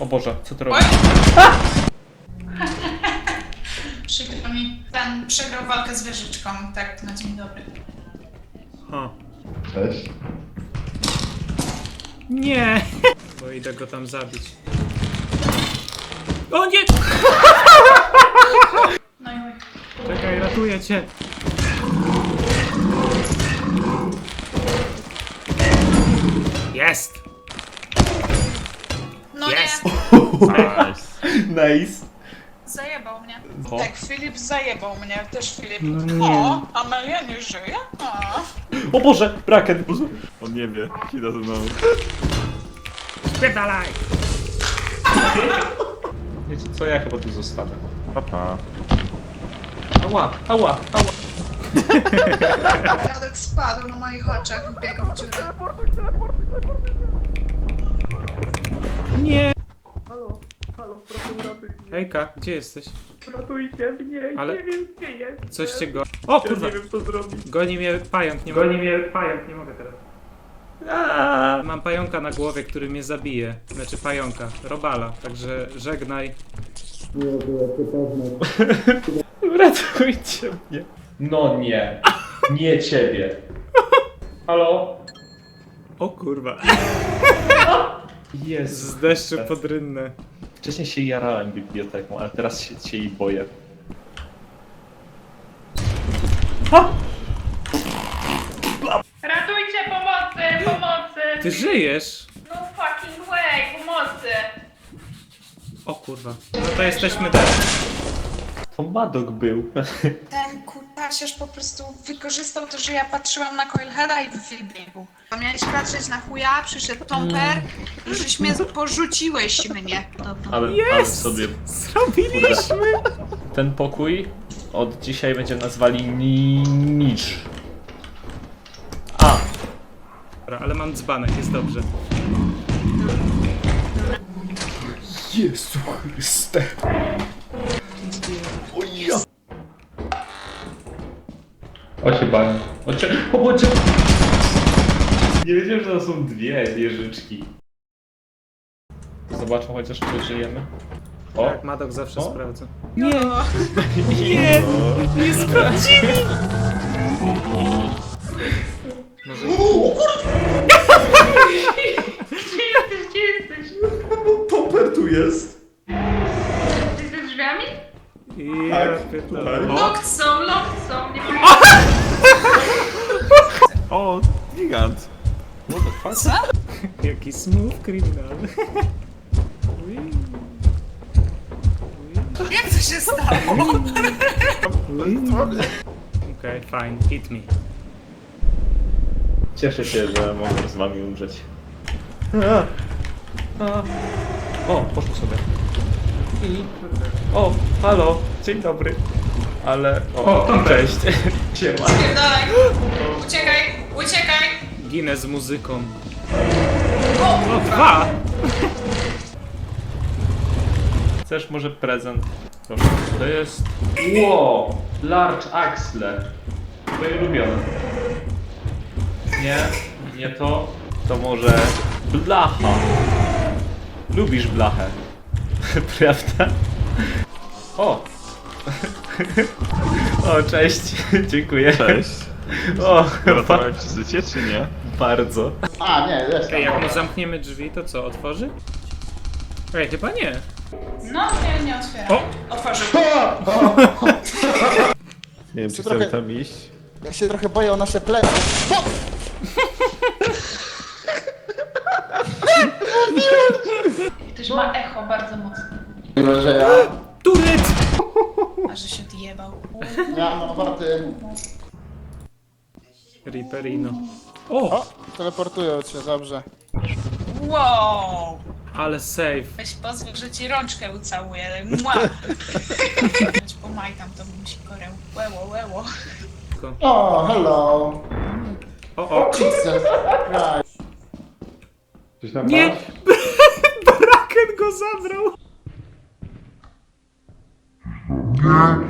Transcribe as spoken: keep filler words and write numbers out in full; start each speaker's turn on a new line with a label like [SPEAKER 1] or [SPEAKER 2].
[SPEAKER 1] O Boże, co ty robisz?
[SPEAKER 2] Przykro mi, ten przegrał walkę z wieżyczką, tak na dzień dobry.
[SPEAKER 1] Ha.
[SPEAKER 3] Cześć.
[SPEAKER 1] Nie! Bo idę go tam zabić. O nie!
[SPEAKER 2] No i oj.
[SPEAKER 1] Czekaj, ratuję cię. Jest!
[SPEAKER 2] No
[SPEAKER 1] Jest!
[SPEAKER 2] nie,
[SPEAKER 3] Nice.
[SPEAKER 2] zajebał mnie.
[SPEAKER 1] O.
[SPEAKER 2] Tak, Filip zajebał mnie, też Filip.
[SPEAKER 1] No nie.
[SPEAKER 2] O, Amelia nie żyje? A.
[SPEAKER 3] O Boże, Braken.
[SPEAKER 4] On nie wie, idę ze mną.
[SPEAKER 1] Spierdalaj!
[SPEAKER 3] Wiecie co, ja chyba tu zostanę.
[SPEAKER 4] Papa.
[SPEAKER 3] Ała, ała, ała.
[SPEAKER 2] Radek spadł na moich oczach, biegał w dziurę.
[SPEAKER 1] Nie! Hejka, gdzie jesteś?
[SPEAKER 3] Ratujcie mnie,
[SPEAKER 1] Ale-
[SPEAKER 3] nie wiem gdzie jest.
[SPEAKER 1] Coś cię go... O kurwa!
[SPEAKER 3] Nie wiem co zrobić.
[SPEAKER 1] Goni mnie pająk, nie mogę. Goni mnie pająk, nie mogę teraz.
[SPEAKER 3] Aaaa.
[SPEAKER 1] Mam pająka na głowie, który mnie zabije. Znaczy pająka, robala, także żegnaj.
[SPEAKER 3] Ratujcie mnie. No nie. Nie ciebie. Halo?
[SPEAKER 1] O kurwa.
[SPEAKER 3] Jezu.
[SPEAKER 1] Z deszczu pod rynnę.
[SPEAKER 3] Wcześniej się jarałem biblioteką, ale teraz się, się jej boję.
[SPEAKER 2] Ratujcie, pomocy, pomocy!
[SPEAKER 1] Ty żyjesz?
[SPEAKER 2] No fucking way, pomocy!
[SPEAKER 1] O kurwa. No to jesteśmy dalej.
[SPEAKER 3] To Madok był.
[SPEAKER 2] Ten kutasiarz po prostu wykorzystał to, że ja patrzyłam na Coilheada i wybiegł. Bo miałeś patrzeć na chuja, przyszedł Tomper i żeś mnie porzuciłeś mnie. Dobra.
[SPEAKER 3] Ale, ale
[SPEAKER 1] Jest!
[SPEAKER 3] sobie
[SPEAKER 1] Zrobiliśmy!
[SPEAKER 3] ten pokój od dzisiaj będziemy nazwali ni Nicz. A,
[SPEAKER 1] Dobra, ale mam dzbanek, jest dobrze.
[SPEAKER 3] Jezu Chryste. O ja. O się bałem. O cię. O, o cię. Nie wiedziałem, że to są dwie wieżyczki. Zobaczmy chociaż, czy żyjemy. O,
[SPEAKER 1] Tak, Madok zawsze
[SPEAKER 3] O.
[SPEAKER 1] sprawdza.
[SPEAKER 2] Nie!
[SPEAKER 1] Nie! Nie sprawdzili! Może...
[SPEAKER 2] Gdzie jesteś? Gdzie jesteś?
[SPEAKER 3] Topper tu jest.
[SPEAKER 2] Jesteś za drzwiami?
[SPEAKER 1] Ja
[SPEAKER 3] Tak,
[SPEAKER 1] pierdolę.
[SPEAKER 3] tak.
[SPEAKER 1] O!
[SPEAKER 2] Locked są, locked są, nie wiem.
[SPEAKER 4] O, gigant.
[SPEAKER 3] What the fuck?
[SPEAKER 2] Co?
[SPEAKER 1] Jaki smooth kryminal. Ui. Ui.
[SPEAKER 2] Jak to się stało?
[SPEAKER 1] Okej, fine, hit me.
[SPEAKER 3] Cieszę się, że mogę z wami umrzeć. O, poszło sobie. I... O, halo, dzień dobry. Ale... O, o cześć. Siema.
[SPEAKER 2] Spierdalaj! Uciekaj, uciekaj!
[SPEAKER 1] Ginę z muzyką.
[SPEAKER 2] O!
[SPEAKER 1] O, dwa!
[SPEAKER 3] Chcesz może prezent? Proszę. To jest... Wow! Large Axle. Twoje ulubione. Nie, nie to. To może... Blacha. Lubisz blachę. Prawda? O! O, cześć. Dziękuję.
[SPEAKER 4] Cześć.
[SPEAKER 3] O,
[SPEAKER 4] Ratowałem ci życie, czy nie?
[SPEAKER 3] bardzo.
[SPEAKER 5] A, nie, jest
[SPEAKER 1] Ej, jak mu zamkniemy drzwi, to co, otworzy? Ej, chyba nie.
[SPEAKER 2] No, nie, nie otwieram.
[SPEAKER 1] O!
[SPEAKER 2] Otworzył.
[SPEAKER 4] Nie wiem, czy
[SPEAKER 5] trochę-
[SPEAKER 4] chcemy tam iść.
[SPEAKER 5] Ja się trochę boję o nasze plecy.
[SPEAKER 2] Też ma echo bardzo mocne.
[SPEAKER 5] Mimo, że ja
[SPEAKER 1] Turet!
[SPEAKER 2] A że się odjebał.
[SPEAKER 5] miałem ochoty.
[SPEAKER 1] Riperino. O!
[SPEAKER 5] O, teleportują cię, dobrze.
[SPEAKER 2] Wow!
[SPEAKER 1] Ale safe.
[SPEAKER 2] Weź pozwól, że ci rączkę ucałuję. Mua! Choć pomajtam, to bym ci korę. Łeło, łeło.
[SPEAKER 5] O, hello.
[SPEAKER 1] O, o!
[SPEAKER 5] Jesus Christ.
[SPEAKER 3] Coś tam
[SPEAKER 1] Nie! Braken go zabrał!